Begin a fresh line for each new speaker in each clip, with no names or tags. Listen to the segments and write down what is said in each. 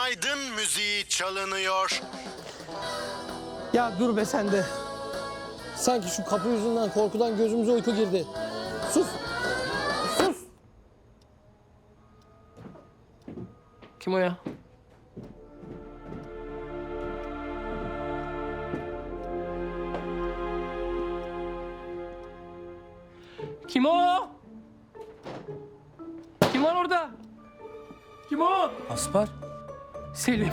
Günaydın müziği çalınıyor.
Ya dur be sen de. Sanki şu kapı yüzünden korkudan gözümüze uyku girdi. Sus. Sus. Kim o ya? Kim o? Kim var orada? Kim o?
Aspar,
Selim.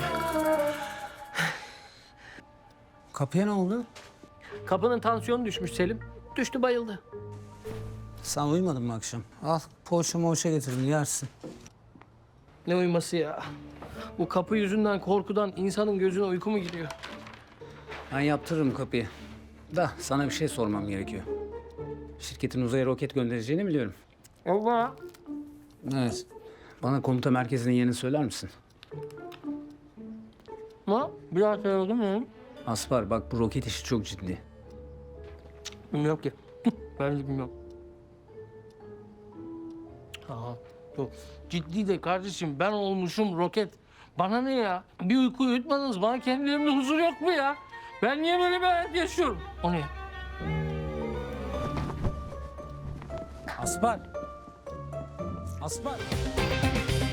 kapıya ne oldu?
Kapının tansiyonu düşmüş Selim. Düştü bayıldı.
Sen uyumadın mı akşam? Al, poğaça moğaça getirdim, yersin.
Ne uyuması ya? Bu kapı yüzünden korkudan insanın gözüne uyku mu giriyor?
Ben yaptırırım kapıyı. Da sana bir şey sormam gerekiyor. Şirketin uzaya roket göndereceğini biliyorum.
Allah.
Evet. Bana komuta merkezinin yerini söyler misin?
Ma, bir daha söyledim mi?
Aspar, bak bu roket işi çok ciddi.
Bilmiyorum ki. Ben de bilmiyorum. Aha, yok. Ciddi de kardeşim ben olmuşum roket. Bana ne ya? Bir uyku uyutmadınız. Bana kendilerimde huzur yok mu ya? Ben niye böyle bir hayat yaşıyorum? O ne?
Aspar! Aspar!